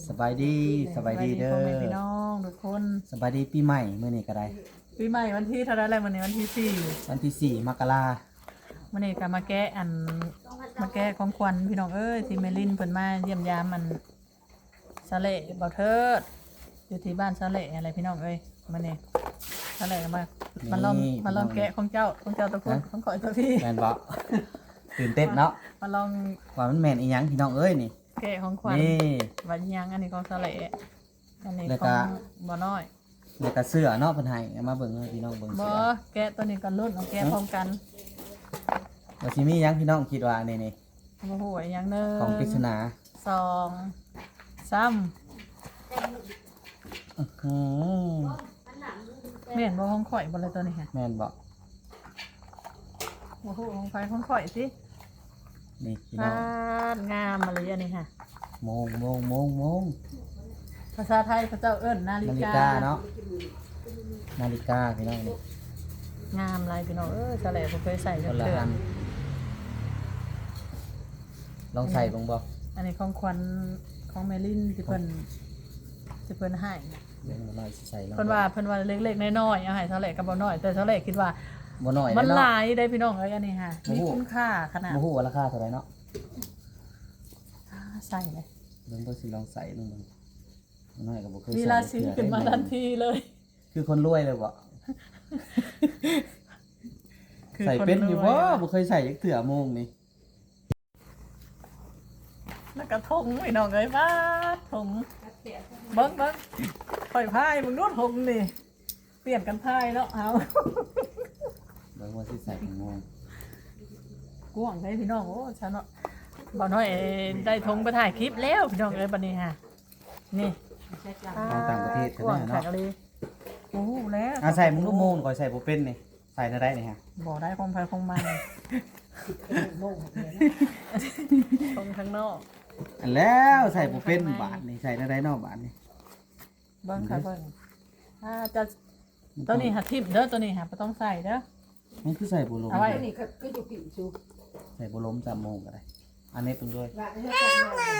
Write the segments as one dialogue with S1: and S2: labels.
S1: สบายดีเด้อ
S2: พ่อแม่พี่น้องทุกคน
S1: สบายดีปีใหม่มื้อนี้ก็ได้
S2: ปีใหม่วันที่เท่าไหรแล้ววันนี้วันที่สี่
S1: วันที่4มกรา
S2: วันนี้ก็มาแก้ของขวัญพี่น้องเอ้ยที่เมลินเพิ่นมาเยี่ยมยามมันสะเละเบาเทิดอยู่ที่บ้านสะเละอะไรพี่น้องเอ้ยมื้อนี้สะเละก็มาลองแกะของเจ้าตะคุณของข่อยตัวพี่
S1: แม่นบ่ ตื่นเต้นเนาะ
S2: มาลอง
S1: ว่ามันแม่นอีหยังพี่น้องเอ้ยนี่
S2: แกะของขวัญ
S1: นี่
S2: วันยังอันนี้ของสะเละอันนี้
S1: แล้ว
S2: ข
S1: ก็
S2: องบ่น้อย
S1: แล้วก็เสื้อเนาะเพิ่นให้เอามาเบิ่งให้พี่น้องเบิ่ง
S2: บ่
S1: เสื้อ
S2: แกะตัวนี้ก็รุ่นเอาแกะพร้อมกัน
S1: ว่าสิมีหยังพี่น้องคิดว่านี่
S2: โอ้โหอีกอย่างหนึง
S1: ของปริศนา
S2: สองสาม
S1: อือ
S2: แม่นบ่ของข่อยบ่เลยตัวนี้ฮะ
S1: แม่นบ่
S2: โอ้โหของไฟของข่อยสิ
S1: นี่พี่น้อง
S2: งามอะไรอันนี้ฮะ
S1: โมง
S2: ภาษาไทยพระเจ้าเอิ้นนาฬิ
S1: นาฬิ
S2: กาก
S1: าเนาะนาฬิกาพี่น้องนี่
S2: งามอะไรพี่น้องสะแหล่บ่เคยใส่
S1: ค
S2: จัก
S1: นละ
S2: เทื่อ
S1: อันลองใส่เบิ่งบ่
S2: อันนี้ของขวัญของแมลินที่เพิ่นให้
S1: เบิ่งหน่อยสิใส่ลอง
S2: เพิ่นว่าเล็กๆน้อยๆเอาให้สะแหล่ก็บ่น้อยแต่สะแหล่คิดว่า
S1: บ่น้อย
S2: มัน
S1: เนาะ
S2: หลายได้พี่น้องเอ้ยอันนี้ฮะ
S1: โอ้
S2: มี
S1: โห
S2: คุณค่าขนาด
S1: บ่ฮู้ว่าราคาเท่าไหร่เนาะ
S2: ใส่เลย
S1: เบิ่งสิลองใส่ลงมันน้อยก็บ่เคย
S2: มี
S1: ใส่
S2: ราศีขึ้นมาทันทีเลย
S1: คือคนรวยเลยบ่
S2: คือ
S1: ใส่
S2: คน
S1: เป็นอยู่
S2: ร
S1: บ่
S2: วย
S1: บ่เคยใส่จักเทื่อโมงนี่
S2: แล้วก็ทงพี่น้องเอ้ยบ้าทงเบิ้งข่อยพายมึงนู่นทงนี่เปลี่ยนกันพายเนาะเอา
S1: เบิ่งว่าสิใส่เป็นโมง
S2: กวางได้พี่น้องโอ้ฉันเนาะบ่น้อยได้ทงไปถ่ายคลิปแล้วพี่น้องเอ้ยบัดนี้ฮะนี่
S1: ของต่างประเทศ
S2: ก
S1: ใช่
S2: วาง
S1: ไหม
S2: แขก
S1: เนาะ
S2: เลยโอ้แล้ว
S1: ใส่มึงลูกโมงก่อนใส่บ่เป็นนี่ใส่ได้นี่ฮะ
S2: บ่ได้คงไปคงมันทงข้างนอก
S1: อันแล้วใส่บ่เป็นบาทนี่ใส่ได้เนาะบาทนี่
S2: เบิ้งค่ะเบิ้งจะตัวนี้หาทิปเด้อตัวนี้หาบ่ต้องใส่เด้อ
S1: มันคือใส่บ่ลม
S2: เอาไว้
S3: นี่ก็อยู่ผิวชู
S1: ใส่บ่ลม3โมงก็ได้อันนี้เพิ่นด้วย
S3: ว่าให้ทำงาน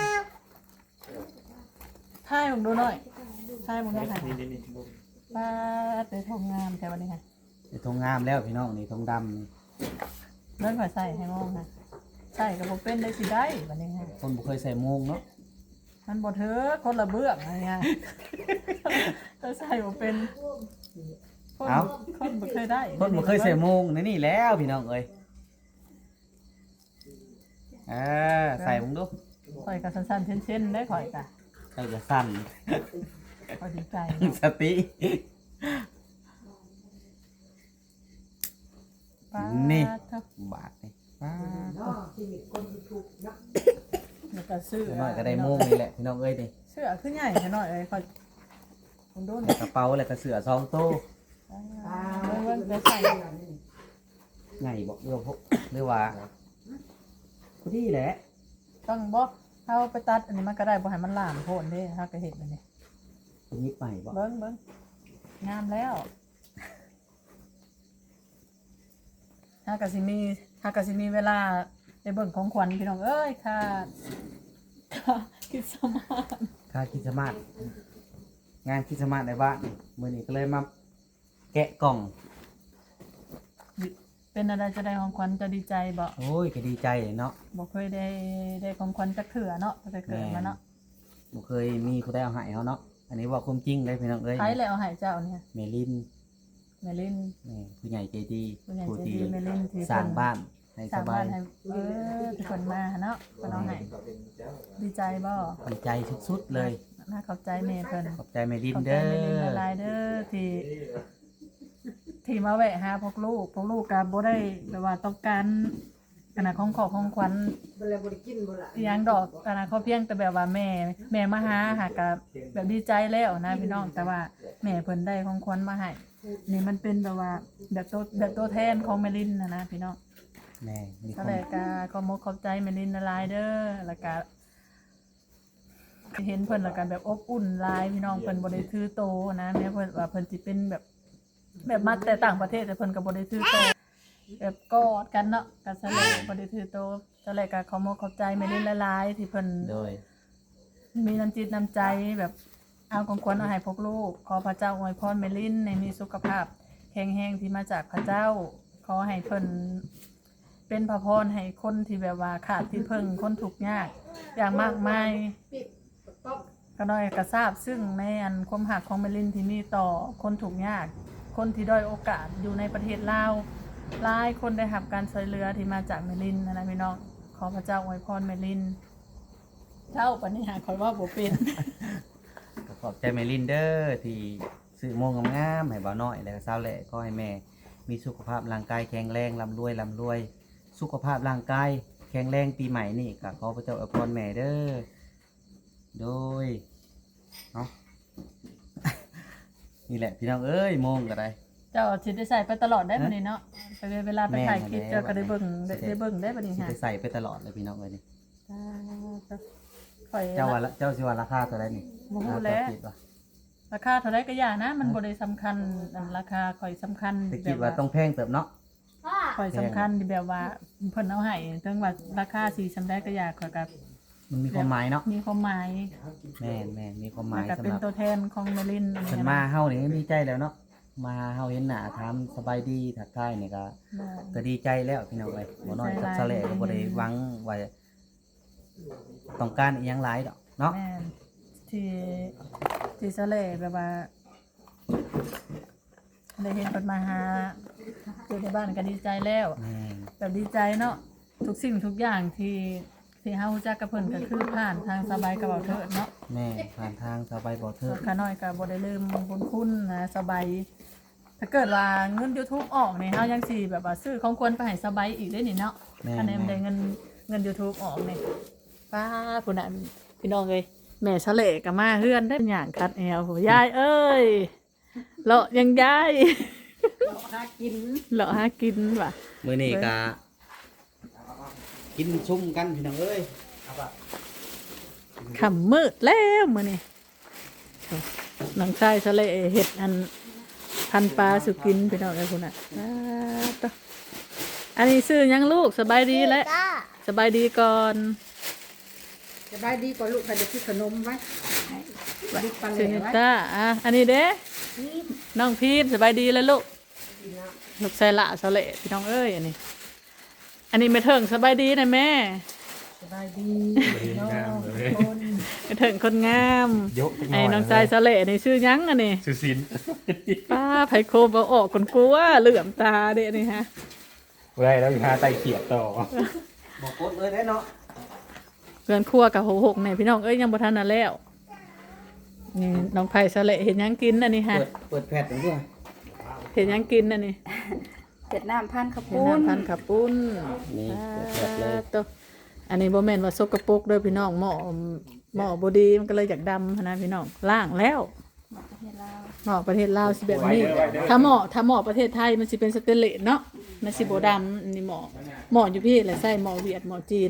S2: ถ่ายผมดูหน่อยถ่ายผมหน่อยค่ะป้าเตะทงงามแต่วันนี้ค่ะ
S1: ไอ้ทงงามแล้วพี่น้องนี่ทงดำนี่
S2: เลื่อนขอใส่ให้มองค่ะใส่กับผมเป็นได้สิได้วันนี้ค่ะ
S1: คนบ่เคยใส่โมงเนาะ
S2: มันบ่เถอะคนละเบื้องอะไรเงี้ยถ้าใส่ผมเป็นคนบ่เคยได้
S1: คนบ่เคยใส่โมงนี่แล้วพี่น้องเอ้ยใส่มึงดู
S2: ข่อยกับสั้นๆเช่นๆได้ข่อยกะ
S1: ใส่จะสั่น
S2: ข่อยดีใจ
S1: สติ
S2: ป้า
S1: นี่
S2: เท่า
S1: บาทนี่ป้า
S3: เนาะที่มีคนถูกเนาะ
S2: แล้วก็ซื้อ
S1: หน่อยก็ได้โมงนี่แหละพี่น้องเอ้ยนี่
S2: เสื้อขึ้นใหญ่หน่อยเลยข่อยผมดู
S1: กระเป๋าแล้วก็เสื้อ2โต๊ะ
S2: เบิ่งจะใส่
S1: ใหญ่บ่หรือว่าพอดีแหละ
S2: ต้องบ่เอาไปตัดอันนี้มันก็ได้บ่ให้มันหลามโพนเด้ถ้าก็เห็นอันนี้
S1: ยิบใหม่บ่
S2: เบิ้งงามแล้วถ้ากะสิมีเวลาไปเบิ่งของขวัญพี่น้องเอ้ยค่ะคิดสมาน
S1: ค่าคริสต์มาสงานคริสต์มาสในบ้านมื้อนี้ก็เลยมาแกะกล่อง
S2: เป็นอะไรจะได้ของขวัญจะดีใจบ่
S1: โอ้ยก็ดีใจเนาะ
S2: บ่เคยได้ของขวัญจักเถื่อเนาะตั้งแต่เกิดมาเนาะ
S1: บ่เคยมีผู้ใดเอาให้เฮาเนาะอันนี้ว่าความจริงเลยพี่น้องเอ้ย
S2: ใครแล้วเอาให้เจ้าเนี่ย
S1: เมลิน
S2: แม่ลิน
S1: นี่ผู้ใหญ่ใจดี
S2: ผู้ใหญ่ใจดี
S1: ที่
S2: เมลินที่
S1: สร้างบ้านให้
S2: ส
S1: ส
S2: ร้าง
S1: บา
S2: บ้าย นให้ทุกคนมาเนาะเพิ่นเอาให้ดีใจบ่
S1: ดีใจสุดๆเลย
S2: น่าขอบใจแม่เพิ่น
S1: ขอบใจเมลิน
S2: ขอบใจ
S1: เด้
S2: แม่ลิน
S1: อ
S2: ละลายเด้อที่มาแวะหาพวกลูกก็บ่ได้แบบว่าต้องการขนาดของของขวัญ
S3: เวลาบริกินบ่ละ
S2: อหยังดอกขนาดเขาเพียงแต่แบบว่าแม่มาหาหาก็แบบดีใจแล้วนะพี่น้องแต่ว่าแม่เพิ่นได้ของขวัญมาให้นี่มันเป็นแบบว่าแบบตัวแทนของแม่ลินนะพี่น้อง
S1: แม่มีค
S2: ก็
S1: น
S2: เลยก็ขอมกขอบใจแม่ลินละลายเด้อแล้วก็เห็นเพิ่นแล้วก็แบบอบอุ่นหลายพี่น้องเพิ่นบ่ได้ถือโตนะแม้เพิ่นว่าเพิ่นสิเป็นแบบมาแต่ต่างประเทศแต่เพิ่นก็บ่ได้ถือโตแบบกอดกันเนาะก็ซะเลยบ่ได้ถือโตซะเลยก็ขอมกขอบใจแม่ลินละลายที่เพิ่น
S1: โดย
S2: มีน้ำจิตน้ำใจแบบเอาของควรเอาให้พวกลูกขอพระเจ้าอวยพรเมลินในมีสุขภาพแข็งแรงที่มาจากพระเจ้าขอให้เพิ่นเป็นพระพรให้คนที่แบบว่าขาดที่พึ่งคนทุกข์ยากอย่างมากมาย
S3: ปิดป๊อก
S2: ก็น้อยกระทราบซึ่งในอันความหักของเมลินที่มีต่อคนทุกข์ยากคนที่ด้อยโอกาสอยู่ในประเทศลาวหลายคนได้รับการช่วยเหลือที่มาจากเมลินนะพี่น้องขอพระเจ้าอวยพรเมลินเจ้าปณิหารคอยว่าบ่เป็น
S1: ก็ขอบใจแม่ลินเดอร์ที่ซื้อโมงงามๆให้บ่าวน้อยแล้วก็สาวแหละก็ให้แม่มีสุขภาพร่างกายแข็งแรงร่ำรวยสุขภาพร่างกายแข็งแรงปีใหม่นี่ก็ขอพระเจ้าอวยพรแม่เด้อโดยเนาะ นี่แหละพี่น้องเอ้ยโมงก็ได้
S2: เจ้าสิได้ใส่ไปตลอดได้บัดนี้เนาะไปเวลาไปถ่ายคลิป
S1: แม่น
S2: เจ้าก็ได้เบิ่ง
S1: แม่น
S2: ได้เบิ่งได้บัดนี้
S1: สิ
S2: ฮะ
S1: ไปใส่ไปตลอดเลยพี่น้องเอ้ยนี่
S2: ข่อย
S1: เจ้าว่าละเจ้าสิว่าราคาเท่าไหร่นี่
S2: บ่ฮู้แล้ว
S1: คิดว่า
S2: ราคาเท่าไรก็อย่านะมันบ่ได้สำคัญอันราคาข่อยสำคัญ
S1: แต่คิดว่าต้องแพงเติบเนาะ
S2: ข่อยสำคัญที่แบบว่าเพิ่นเอาให้ถึงว่าราคาสิสำได้ก็อยากข่อยก็
S1: มันมีความหมายเนาะ
S2: มีความหมาย
S1: แม่นมีความห
S2: มั
S1: มาน ย
S2: ก็
S1: สำ
S2: เป็
S1: ห
S2: น
S1: รับ
S2: ตัวแทนของเมลินอัน
S1: เพิ่น
S2: นี้
S1: มา
S2: นะ
S1: เฮานี่ดีใจแล้วเนาะมาเฮาเห็นหน้าถามสบายดีทักทายนี่ก็ดีใจแล้วพี่น้องเอ้ยบ่น้อยกับสะแลก็บ่ได้หวังว่าต้องการอีหยังหลายดอกเนาะ
S2: แม่นที่สะเลแบบว่าได้เห็นเพิ่นมาหาอยู่ในบ้านก็ดีใจแล้ว
S1: แม่น
S2: แบบดีใจเนาะทุกสิ่งทุกอย่างที่เฮารู้จักกับเพิ่นก็คือผ่านทางสบายกับเบาเถิดเนาะ
S1: แม่ผ่านทางสบายบ่เถิด
S2: ขาน้อยก็บ่ได้ลืมบุญคุณนะสบายถ้าเกิดว่าเงิน YouTube ออกนี่เฮายังสิแบบว่าซื้อของควรไปให้สบายอีกได้นี่เนาะ
S1: แม่
S2: อันนี้มันได้เงิน YouTube ออกนี่ป้าพุ่นน่ะพี่น้องเอ้ยแม่ชะเลก็มาเฮือนได้หยังคัดแอวโหยายเอ้ยเลาะยังยาย
S3: หากิน
S2: เลาะหากินว่ะ
S1: มื้อนี้ก็กินชุ่มกันพี่น้องเอ้ยเอาป่ะ
S2: ค่ำมืดแล้วมื้อนี้น้องชายชะเลเฮ็ดอันพันปลาสุกินพี่น้องเอ้ยพุ่นน่ะต่ออันนี้ซื้อหยังลูกสบายดีแล้วสบายดีก่อน
S3: สบายดีกว่าลูกใครจะซื้อขนมไว้ลูกปลาเหล
S2: ซื้อ
S3: วไว้
S2: จ้าอันนี้เด้น้องพีมสบายดีแล้วลูกลูกใส่ละสะเละพี่น้องเอ้ยอันนี้ไม่เถิงสบายดีนะแม่
S3: สบายดีน้องคน
S2: ไม่เถิงคนงาม
S4: ยก
S2: ไอ้น้องใจสะเละนี่ชื่อหยังอันนี้
S4: สุสิน
S2: ป้าไผโคมเอาออกคนกลัวเหลื่อมตาเด้นี่ฮะ
S4: ไรแล้วอีกห้าไตเขียดต่อ
S1: บ่กดเลยได้เนาะ
S2: เพื่อนครัวกับหกเนี่ยพี่น้องเอ้ยยังบ่ทันน่ะแล้วนี่น้องไผ่สะเละเห็นหยังกินอันนี้ฮะ
S1: เปิดแพทย์ด้วย
S2: เห็นหยังกินอันนี้
S5: เผ็ดน้ำพันข้าว
S2: เห็น
S5: ปุ้น
S2: น้ำพันขับปุ้น
S1: นี่เปิดแพทย์เลย
S2: ตัวอันนี้บ่แม่นว่าสกปรกเด้อพี่น้องหม้อบ่ดีมันก็เลยอยากดำหั้นนะพี่น้องล้างแล้ว
S5: ประเทศลาว
S2: หม้อประเทศลาวสิแบบนี้ถ้าหม้อประเทศไทยมันสิเป็นสเตนเลสเนาะมันสิบ่ดำอันนี้หม้ออยู่พี่แหละใส่หม้อเวียดหม้อจีน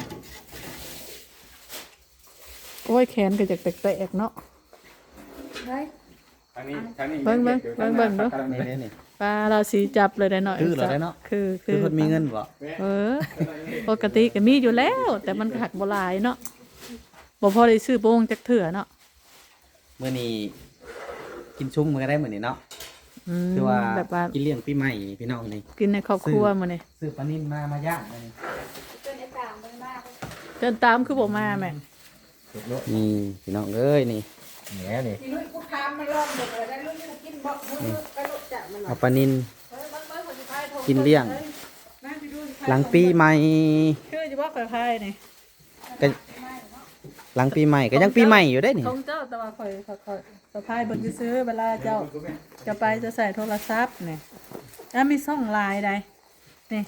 S2: โอ้ยแขนก็อยากแตกๆเนาะ
S5: เฮ้ย
S2: เบิ่งดู ปลาเราสีจับเลยได้หน่อย
S1: คือเหรอได้เนาะ
S2: คือ
S1: คือคนมีเงินบ่
S2: เออปกติก็มีอยู่แล้ว แต่มันหักบ่หลายเนาะบ่พอได้ซื้อโป่งจักเถื่อเนาะ
S1: มื้อนี้กินชุ่มมันก็ได้มื้อนี้เนาะ
S2: อืม
S1: คือว่า
S2: แบบว่า
S1: กินเลี้ยงปีใหม่พี่น้องนี่
S2: กินในครอบครัวมื้อนี้
S1: ซื้อปลานิ่มมาย่างมื้อนี้
S5: จนไอ้ต่างมันมาก
S2: เดินตามคือบ่มาแม่
S1: นี่พี่น้องเอ้ยนี่
S4: แหนนี่
S3: ที่ลูกกูทามมันลองหมดเลยได้ลูกกูกินบ่มือก็ลูกจะมันหน่อ
S1: เอา
S3: ย
S1: ปลานิ่ม
S3: คนสุดท้ายโทร
S1: กินเลี้ยง
S3: นั่งไปดู
S1: หลังปีใหม่
S2: คือจะบ่ค่อยพายนี่
S1: ก็หลังปีใหม่ก็ยังปีใหม่อยู่ได้นี่
S2: ของเจ้าแต่ว่าค่อยสะพายเบิ่งซื้อเวลาเจ้าจะไปจะใส่โทรศัพท์นี่แล้วมีช่องไลน์ใดนี่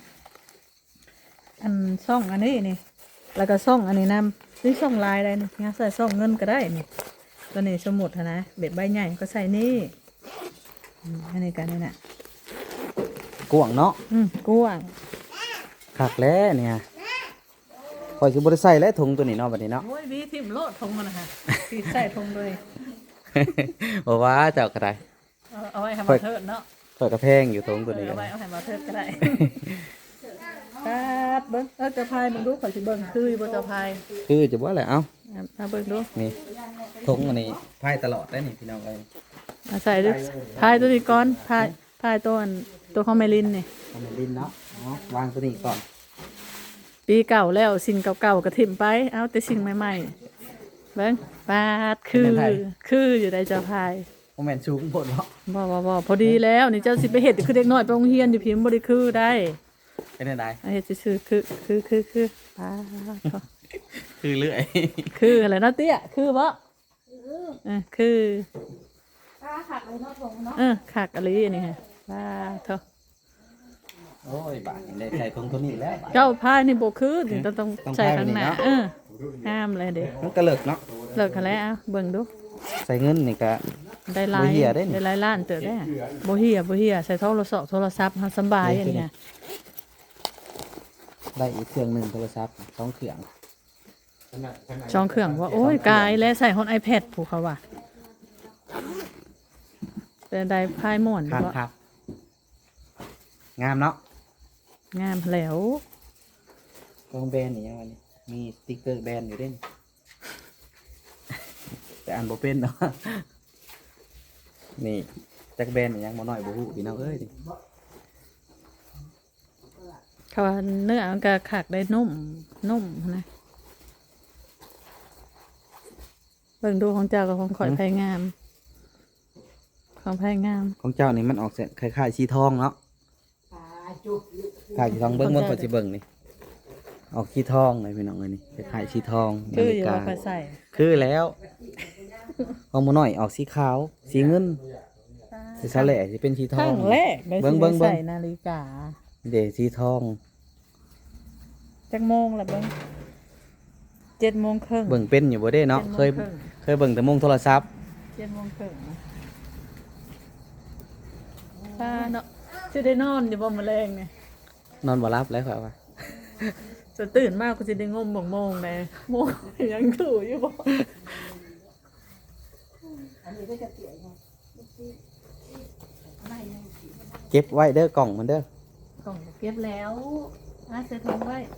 S2: อันช่องอันนี้นี่ แล้วก็ช่องอันนี้นำนี่ช่องไลน์ใดนี่งั้นใส่ช่องเงินก็ได้นี่ตัวนี้สมุดหั้นนะเบ็ดใบใหญ่ก็ใส่นี่อันนี้กันนี่น่ะ
S1: กวางเนาะ
S2: กว้าง
S1: คักแล้วเนี่ยข่อยสิบ่ได้ใส่แล้วถุงตัวนี้เนาะบัดนี้เนาะ
S2: โอ้ยวีทิมโลดทงมันนะคะที่ใส่ทงเลย
S1: บ่ว่าเจ้าก็ได้
S2: เอาไว้ให้มาเทิดเนาะ
S1: ข่อยก็แพงอยู่ถุงตัวนี้
S2: เอาไว้เอาให้มาเทิดก็ได้ครับเบิ้งจะพายมึงดูข่อยสิเบิ้งคือบ่จะพาย
S1: คือจะว่าอะไรเอ้า
S2: เอาเบิ่งดู
S1: นี่ถุงอันนี้พายตลอดได้นี่พี่น้องเอ้ย
S2: เอาใส่ดูพายตัวนี้ก่อนพายตัวตัวของเมลินนี่
S1: ทำเป็นดินเนาะวางตัวนี้ก่อน
S2: ปีเก่าแล้วสิ่งเก่าๆก็ถิ่มไปเอาแต่สิ่งใหม่ๆเบิ่งปาดคืออยู่ได้เจ้าพาย
S1: โมเมนต์ชูงผลเนาะ
S2: บ่พอดีแล้วนี่เจ้าสิไปเฮ็ดคือเด็กน้อยไปโรงเรียนอยู่พิมพ์บ่ได้คือได้
S1: เป็นไง
S2: เอาเฮ็ดซื่อๆคือปาด
S1: คือเรื่อย
S2: คืออะไรเนาะเตี้ยคือบ่คือ
S5: ถ้าหักเลยเนาะผมเนาะ
S2: ขากอะไรนี่ฮะปาดเถอะ
S1: โอ้ยบาทได้ใส่ถุงตัวนี้แล้วบาท
S2: เจ้าพายนี่บ่คือถึงต้อง
S1: ต้อง
S2: ใส่
S1: พาย
S2: ข้างหน้า
S1: แบบนี้เนาะ
S2: ห้ามเลยเด้
S1: มันก็เลิกเนาะ
S2: เลิกกันแล้วเอาเบิ่งดู
S1: ใส่เงินนี่ก็
S2: ได้หลาย
S1: บ่เหี้ยเด้นี่
S2: ได้หลายล้านเติบได้บ่เฮียใส่โทรศัพท์เฮาสำบายอันนี้ฮะ
S1: ได้อีกเครื่องหนึ่งโทรศัพท์สองเครื่อง
S2: ช่องเครื่องว่าโอ้ยกายและใส่ฮอน iPad ผู้เขาว่าเป็นได้พายม่วน
S1: ครับ
S2: บ่
S1: ครับงามเนาะ
S2: งามแล้ว
S1: ของแบรนด์นี่ยังไงนี่มีสติ๊กเกอร์แบรนด์อยู่เด้น แต่อ่านบ่เป็นเนาะ นี่จักแบรนด์นี่ยังบ่น้อยบ่ฮู้พี่น้องเอ้ยดิ
S2: เขาว่าเนื้อมันก็คักได้นุ่มนะเบิ่งดูของเจ้ากับของข่อยไผงามของไผงาม
S1: ของเจ้านี่มันออกเสียงคล้ายๆสีทองเนาะคล้ายสีทองเบิ่งข่อยสิเบิ่งนี่ออกสีทองเลยพี่น้องเอ้ยนี่คล้ายๆสีทอง
S2: คืออยู่
S1: นา
S2: ว่า
S1: ฬิ
S2: ข่
S1: กา
S2: อยใส่
S1: คือแล้วของบ่น้อยออกสีขาว สีเงินสีสาแหล่สิเป็นสีท
S2: ค
S1: อ
S2: รั้
S1: ง
S2: งแรกได้
S1: เบิ่
S2: สิ
S1: งเบิ่งเบิ่ง
S2: ใส่นาฬิกา
S1: เด้สีทอง
S2: จักโมงละเบิ่ง7:30
S1: เบิ่งเป็นอยู่บ่ได้เนาะเคยเบิ่งแต่มุงโทรศัพท์
S2: 7:30ป้าเนาะสิได้นอนอยู่บ่มื้อแรงนี่
S1: นอนบ่หลับแล้วครับว่า
S2: จะตื่นมากก็จะได้งมบ่งโมงเลยโมงยังถูอยู่บ่
S1: เก็บไว้เด้อกล่องมันเด้อก
S2: ล่องเก็บแล้วใส่ถุงไว้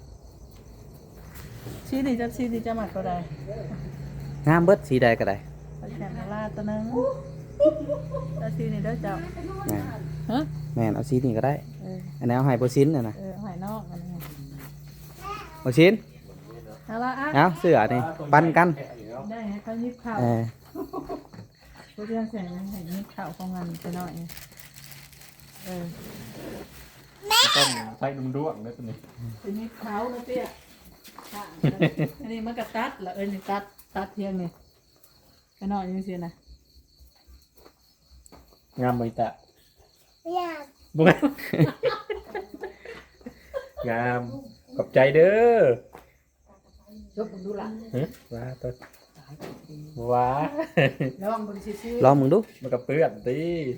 S2: ชี้นี่จะหมักก็ได้
S1: งามเบิดสีใดก็ได้
S2: ไปแข่งลาตัวนึงแล้วชี้นี่เด้อเจ้า
S1: แม่น
S2: ฮะ
S1: แม่นเอาสีนี้ก็ได้
S2: เออ
S1: อันนี้เอาให้บ่ซินน่ะนะ
S2: หอยนอกอันนี้
S1: บ่ซิน
S2: เอาละอ่ะ
S1: เอาเสื้อนี่ปันกัน
S2: ได้ให้เขายิบข้าว
S1: เออ
S2: ผู้เรียนเสร็จแล้วให้ยิบข้าวของงานไปหน่อยเออ
S4: ต้องใส่นุ่มด้วงนะตัวนี้
S2: เป็นยิบข้าวนะเตี้ยค่ะอันนี้มันก็ตัดละนี่ตัดเพียงนี่ไปหน่อยยังเสียนะ
S4: งามใบตะ
S5: อยาก
S4: บุ้งงามขอบใจเด้อ
S3: ยกมึงดูละ
S4: ฮะว้าตัวว้า
S3: ลองมึงซื่อ
S1: ลองมึงดู
S4: มันกับเปื้อนตี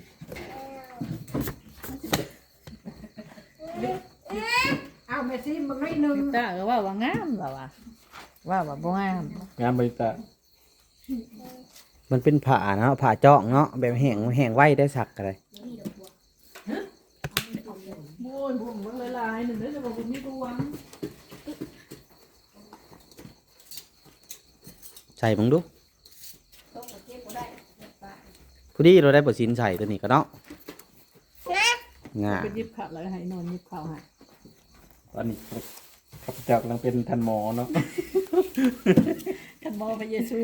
S3: ๆเอาแม่ซิมึงให้หนึ่ง
S2: ตาก็ว่างามแล้วว่าบ่งาม
S4: งามใบตะ
S1: มันเป็นผ้าเนาะผ้าเจาะเนาะแบบแห้งไว้ได้สักก็ได้
S2: โอ้ยผมมันหลายๆหนึ่งเด้อจะบอกผมมีดวง
S1: ใส่มึงดู
S5: ต้องเก็บบ่ได้
S1: ผู้ดีเราได้บ่ซินใส่ตัวนี้ก็เนาะงา
S2: ไปยิบข้าวแล้วให้นอนยิบข้าวให้
S4: ตอนนี้ข้าพเจ้ากำลังเป็นทันหมอเนาะ
S2: ท่านหมอพระเยซู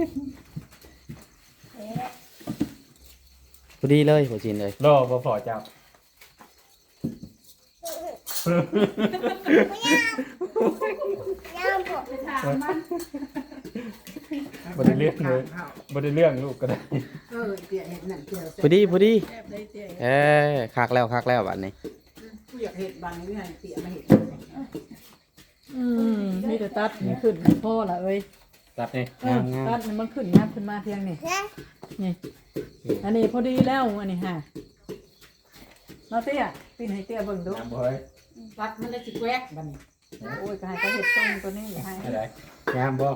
S1: ผู้ดีเลยบ่ซินเลย
S4: รอบ่พอเจ้า
S5: ไปถามมัน
S4: บ่ได้เรื่องเลยบ่ได้เรื่องลูกก็ได้
S3: เตี๋ยเห็ดนั่นเตี๋ย
S1: ผู้ดี
S2: แซ่บได้เตี้ย
S1: คักแล้วบัดนี้
S3: กูอยากเห็ดบางนี่ให้เตี๋ยมาเห็ด
S2: มีแต่ตัดนี่ขึ้นพ่อละเอ้ย
S4: ตัดนี่
S2: ตัดนี่มันขึ้นงับขึ้นมาเพียงนี่นี่อันนี้พอดีแล้วอันนี้ฮะน้าเตี้ยปีนให้เตี้ยเบิ่งดู
S4: งามบ่เฮ้ย
S3: ตัดมันได้สิแกวกบัดนี้
S2: โอ้ยก็ให้เขาเห็ดต้มตัวนี้ให้
S4: อะไรงามบ่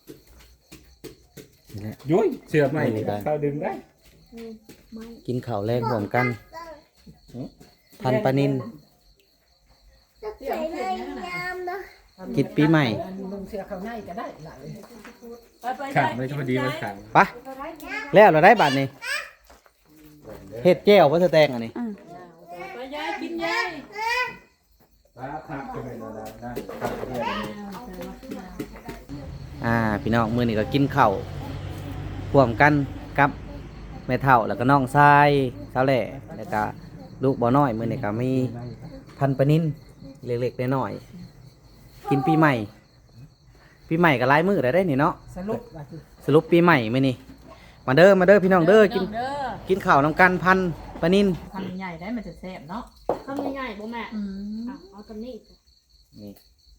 S1: นี่แหละ
S4: ยุ้ยเสือใหม่เข้าดึงได้
S1: กินข้าวแรงรวมกันพันปลานิน
S5: จะใส่เลยยามนะ
S1: กินปีใหม่
S3: อันลงเสือเขาในก็ได้หลาย
S2: ไป
S4: ขังเลยก็พอดีมันขัง
S1: ไปแล้วเราได้บัตรนี่เฮ็ดแก้วบ่สแตงอันนี้
S2: ไปยายกินยาย
S4: ครับจะเป็นอะไรได้ครับ
S1: พี่น้องมื้อนี้ก็กินข้าวร่วมกันกับแม่เฒ่าแล้วก็น้องชายสาวแหล่แล้วก็ลูกบ่น้อยมื้อนี้ก็มีพันปะนินเล็กๆน้อยๆกินปีใหม่ ปีใหม่ก็หลายมื้อได้นี่เนาะ
S3: สรุปว่าคือ
S1: สรุปปีใหม่มื้อนี้มาเด้อพี่น้องเด้อกิน
S2: เด้อ
S1: กินข้าวนํกันพันปะนิน
S2: ทำใหญ่ได้มันจะแซ่บเนาะ
S5: ทำง่ายๆบ่แม่
S2: อืม
S5: เอาตอนนี้
S1: นี่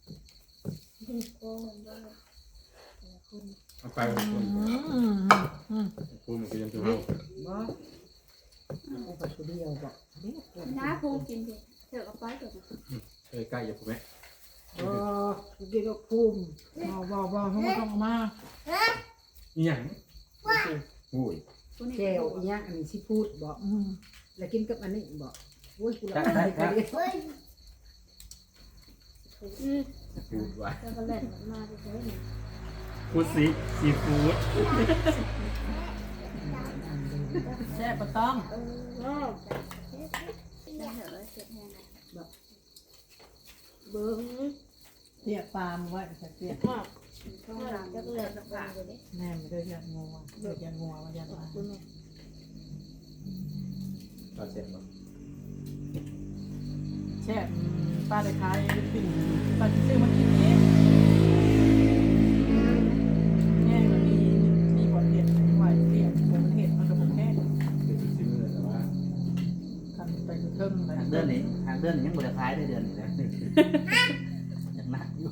S4: เอาไปคุณ
S2: อืม
S4: คุณมันก็ยังจะเอา
S3: บ่เอาไปคนเดียวบ่เด็ก
S5: น้าภูกินเถอะเถอะเอาไปเถอะ
S4: ใกล้ๆอย่าผมไหม
S3: กินกับภูมิ
S2: บ่เขาไม่ต้องมา
S4: อีหยังโอ้ย
S3: แก้วอีหยังอันนี้สิพูดบ่
S2: อืม
S3: แล้วกินกับอันนี้บ่โอ้ยกูละ
S1: ได้ครับ
S4: ฟูดว่ะ
S5: แล้วก็เล่นมาเฉย
S4: ฟูดซีฟู้ด
S2: แซ่บปะต้อง
S5: ๆได้เถอะเสร็จแห้งแบบเบิ้ง
S2: เสียปลามาไว้จะเสีย
S5: ว่าต้องหลังจะเลิกกับปากเลย
S2: แม่ไม่ได้ยันงัวเดือดยันงัวมายันมา
S5: คุณแม่
S4: เราเสร็จแล้ว
S2: แซ่บป้าได้ขายปิ่นป้าจะซื้อมากินเองแง่มันมีบอลเห็ดไหวเสียบมันเห็ดมันกระบอกแห้ง
S4: เดี๋ยวจะซื้อเลยแต่ว่า
S2: ทำไปเทิงเลย
S1: ทางเดือนนี้ยังบ่ได้ขายได้เดือนนี้นะยังหนักอยู่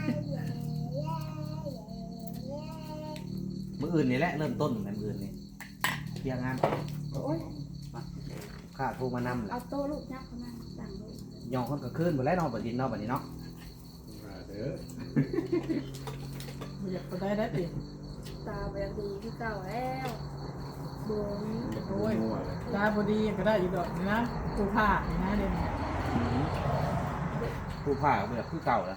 S1: มื้ออื่นนี่แหละเริ่มต้นมื้ออื่นนี่เที่ยงงาน
S5: โอ้ย
S1: ข้าโทรมานำแหละ
S5: เอาโต๊ะลูกยักษ์เข้ามาสั่งลูก
S1: ยองคนก็ขึ้นบ่แล้วเนาะบัดนี้เนาะบัดนี้เนาะ
S4: เด้อ
S2: อยากไปได้ดิ
S5: ตาแบบดีที่เก่าแล้วเบิ้ง
S2: โอ้ย
S4: มั่วเลย
S2: ตาพอดีก็ได้อีกดอกนะกูผ่านะเดี๋ยวนี้
S1: ผู้ผ้าก็แบบคือเก่าแล้ว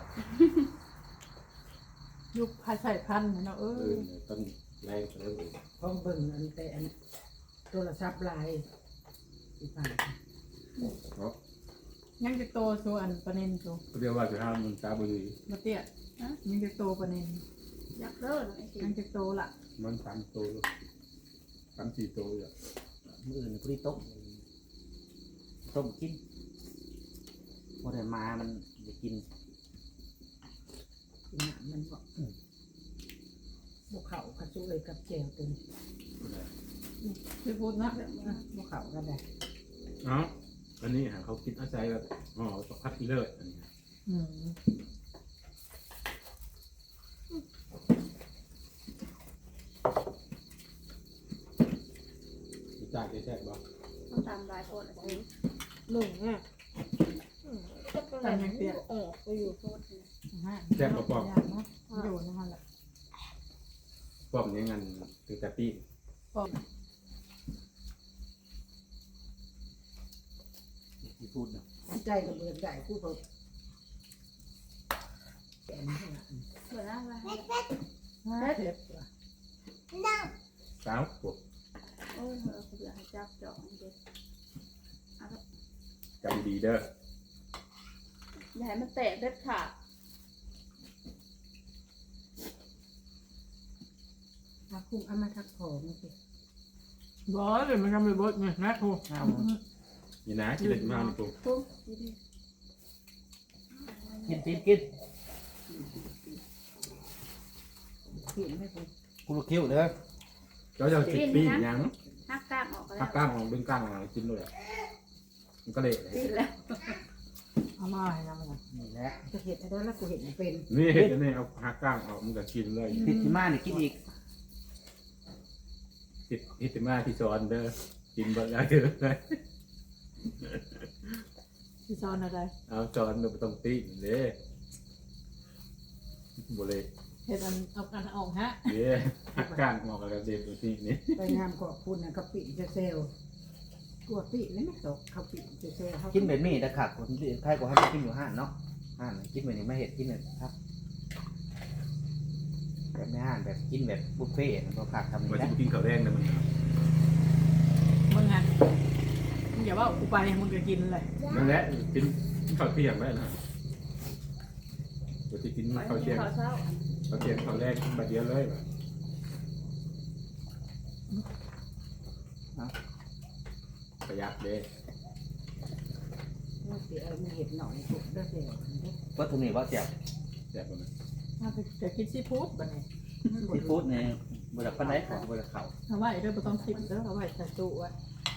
S2: ยุคพาใส่พันธุ์เนาะ
S4: ต้นแรงเริ่ม
S3: พร้อมเบิ่งอันแต่อันโทรศัพท์ลายอีกฝ่าย
S4: เพราะ
S2: ยังจะโตส่วนประเด็นตัว
S4: เรียกว่าจะห้ามมันตาบุรี
S2: มาเตี้ยยังจะโตประเด็น
S5: อยากเลิกไอ้สิ
S2: ยังจะโตละ
S4: มัน3 ตัว3-4 ตัวอยู่
S1: มื้ออื่นนี่พอดีต้มกินบ่ได้มามันจะกิน
S3: กินน้ำมันบ่บ่เข้ากับซุเลยกับแก้วตัวนี้
S2: คือพูดนะ
S3: บ่เข้ากันได้
S4: เอ้าอันนี้เขาคิดอาศัยแบบอ๋อตกพัดอีเลิศอันนี้
S2: อืม
S4: จากแท้ๆบ่
S5: ต้องตามรายคนไอ้สิ
S3: หนึ่งอ่ะ
S5: ก็เป็นอะไรออกไปอยู่โทษเลย
S2: อยู่นั่นแหละ
S4: ป้อมนี้งันถึงแต่ปี
S1: ที่พูดเนาะ
S3: ใจกับเบิดได้กูก็แกนให้ละ
S5: เบื่อแล้วว่า
S2: เจ็บ
S4: สาวปวด
S5: โอ้ยเบื่อให้จับจองเด็ก
S4: จำดีเด้อ
S5: อย่าให้มันแตกเด็ดขาด
S3: ถ้าคุ้มเอามาทักของสิ
S2: ร้อยเลยมันทำไปบดไงนะครู
S4: นี่นะกินเด็ดมากนี่ปุ๊บ
S5: ปุ๊บดี
S1: กิน
S3: เขียนให้กู
S1: กูรู้คิวเด้อ
S4: เจ้าจะติดปียัง
S5: ๆหักกล้ามออกก็
S4: ถ้า
S5: แล้ว
S4: กล้ามของดึงกล้ามของกินเลยมันก็เละ
S5: ติดแล้ว
S2: เอามาให้นะมัน
S1: นี่แหละ
S3: จะเห็นอะไรแล้วกูเห็นเป็น
S4: นี่เห็นนี่เอาหักกล้ามออกมันก็กินเลย
S1: ติดที่มานี่กินอีก
S4: ติดอิติมาที่ซอนเด้อกินเบิดแล้วเด้อ
S2: ที่ซ้อนอะไร
S4: เอาซอนมันต้องตีเด้บ่เลย
S2: เห็ดอันเอากันออกฮะ
S4: เด้หักกล้ามออกแล้วเด็ดตัวนี้นี่
S3: ไปงามขอบคุณนะเขาปิดเซลล์กลัวปิดแล้วไม่ตกเขาปิดเซลล์เขา
S1: กินแบบนี้แต่ขาดคนใครก็ให้กินอยู่ห้านเนาะกินแบบนี้มาเห็ดกินแบบครับแบบในห้างแบบกินแบบบุฟเฟ่ต์มันก็ขาดทำ
S4: มา
S1: ไม่ได้
S4: ที่กินข้าวแดงนะมัน
S2: มึงอ่ะมึงอย่าว่ากูไปมึงก็กินเลย
S4: นั่นแหละกินข้าวเที่ยงได้นะมาที่กินข้าวเที่ยง
S5: ข้าวเช้า
S4: ข้าวเที่ยงข้าวแรกมาเดียวเลยประหยัดเด้
S3: เสียมีเห็ดหน่อยถูกได้เสีย
S1: วัตถุนี้ว่าเจ็บ
S4: แซ่บมัน
S2: จะกินซีฟู้ดบ่เนี่ย
S1: ซีฟู้ดเนี่ยบริษัทปันไดของบริษัทเขา
S2: เอาไว้เด้อบ่ต้องคิดเด้อเอาไว้ใส่ตู้ไว้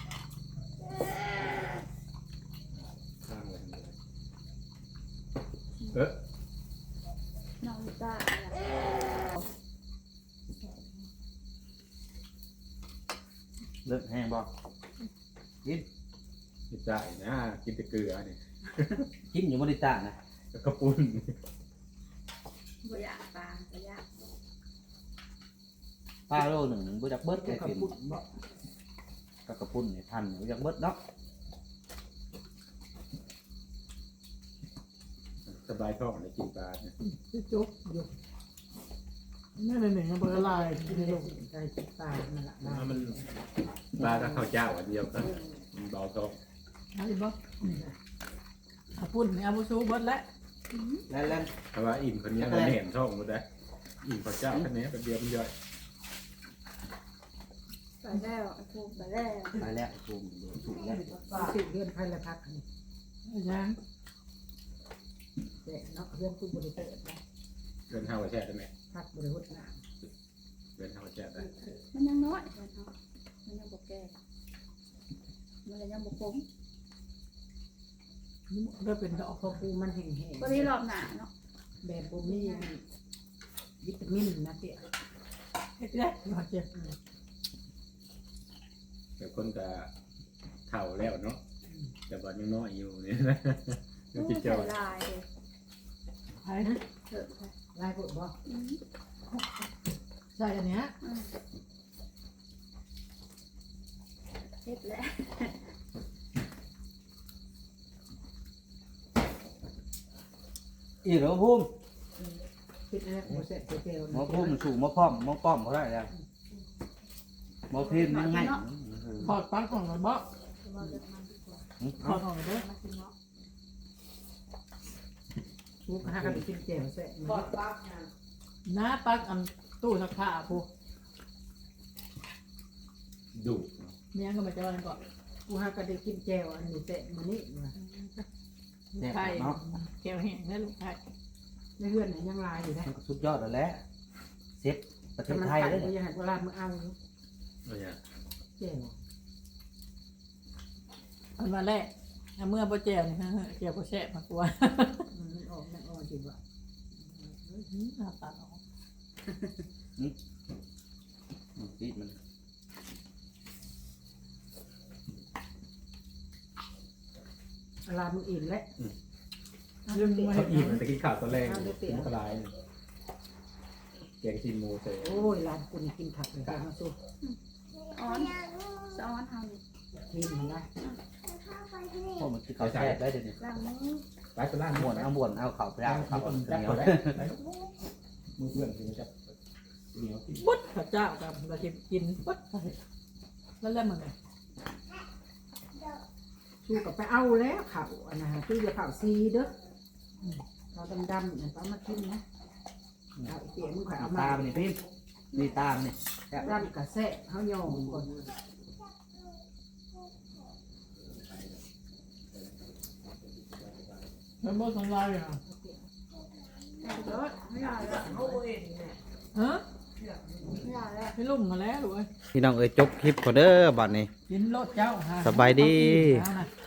S4: ข้างเลย
S5: น้องจ้า
S1: เลิกแห้งบ่กิน
S4: กินได้นะกินแต่เกลือเนี่ย
S1: กินอยู่บริษัทนะ
S4: กระปุ้น
S5: บ่อยากปลาบ่อยาก
S1: ป้าโลหนึ่งบริษัทเบิร์ด
S3: ก็
S1: แค่
S3: ขับ
S1: กิน
S3: ปุ่นบ่
S1: กระปุ้นเนี่ยทันบริษัทเบิร์ดเนาะ
S4: สบายท้องเลยกินปลาเนี่ย
S3: ที่จุกอยู่นั่นหนึ่งเบอร์ลายกินลงใจติดตานั่นแหละนะ
S4: มันปลากับข้าวเจ้าอันเดียวกันมันเบาท้อง
S2: เอาดิบ่เอาปุ่นนี่เอาบ่สู้เบิดแล้ว
S1: แล้ว
S4: เพราะว่าอิ่มคนนี้มันแหนท้องหมดได้อิ่มข้าวเจ้าคนนี้เป็นเดียวมันย่อย
S5: ไปแล้วไอ้พวกไปแล้ว
S1: ไปแล้วถูกถูกแล้ว
S3: สิเดือนภายละพักนี่
S2: ยัง
S3: แต่เนาะเรื่องคุณบริเตอร์นะ
S4: เดินห้าวแช่ได้ไหม
S3: พักบริวารน้
S4: เดินห้าวแช่ได้
S5: มันยังน้อยมันเนาะมันยังบ่แก่มันเลยยังบ่คม
S3: ำนี่เริ่มเป็นดอกพอปูมันแห้ง
S5: พอดีรอบหน้าเนาะ
S3: ๆแบบปูมีวิตามินนะเตี้ย
S2: เฮ็ดได้บ่เจ็บ
S4: แต่คนก็เฒ่าแล้วเนาะแต่ว่ายังน้อยอยู่เนี่ยนะยังจิตใจ
S5: ใส่ลายเลย
S2: ไปนะ
S5: เถอะค่ะ
S3: ลายกดบ่
S2: ใส่อันเนี้ย
S5: เฮ็ดแล้ว
S1: อีกแล้วพุ่ม
S3: คิดนะโมเสสเจล
S1: หมอพุ่มสู่หมอป้อมหมอป้อมเขาได้แล้วหมอพิมพ์ยังไง
S2: ถอดปลั๊กออกแล้วบ่
S5: ว่าเรื่องมันดีกว่า
S2: ถอดออกเด้อ
S5: มากินเนาะ
S3: ทุกห้ากันกินแจ่วแสะ
S2: ถอดปลั๊กนะปลั๊กอันตู้ซักผ้าผู้
S4: ดุ
S2: เมียก็มาจอยก่อน
S3: กูห้ากันได้กินแจ่วอันนี้แสะมันนี่นะ
S1: เนี่ย
S2: ไข่
S1: เนาะ
S2: แก้วแห้งได้ลูกไข่
S3: ในเฮือนไหนยังลายอยู่นะ
S1: มันก็สุดยอดแล้วแหละเซฟประเท
S3: ถ้า
S1: ศ
S3: มัน
S1: ไทย
S3: กัด
S1: เลย
S3: ก็ยังหันเวลามือเอาอยู่
S4: อะไรอย่าง
S3: แจ่ว
S2: อันมาแรกเอาเมื่อบ่แจ่วนี่ฮะแจ่วบ่แซ่บมากกว่า
S3: มันออกมันออกจริงว่ะ
S2: น้าตัดออก
S1: ปิดมัน
S3: เวลามึงอิ่มแล้ว
S2: ลืมไว้
S4: เขาอิ่มแต่กินข้าวตอนแรกมันกระไรแกงซีมูเซ่
S3: โอ้ยร้านกูนี่กินผักเลยมาสู้
S5: อ้อนสะอ้อนเฮานี่
S3: กินมันได้
S1: พวกมันคือเขาแซ่บได้เดี๋ยวนี้
S5: ล้างมือ
S4: ไปตลาด
S1: ม้วนเอาม้วนเอาเข่าไปเอาเข่าเอา
S4: จับ
S1: เหนีย
S4: เขา
S1: ว
S4: ได้มือเพื่อนคือจับเหนียวที่
S2: ปุ๊ดข้าวเจ้ากับเราจะกินปุ๊ดไปแล้วแล้วมันไง
S3: ชูกับไปเอาแล้วข่าวอันนะฮะชูจะข่าวซีเด้อข่าวดำๆเนี่ยต้องมากินนะเอาเตี๋ยมึงข่อยเอามา
S1: ตามนี่พี่นี่ตามนี่
S3: ดำกระแสะเขาโยงก่อน
S2: มันบ่ทำลายอ่ะ
S5: เดี๋ยวไม่ได้แล้ว
S2: ฮะ
S5: ไม่ได้แล้ว
S2: ไม่ลุ่มมาแล้วลูกเอ้ย
S1: พี่น้องเอ้ยจบคลิปก่อนเด้อบัดนี้
S2: กินรถเจ้าฮะ
S1: สบายดี
S2: เอานะ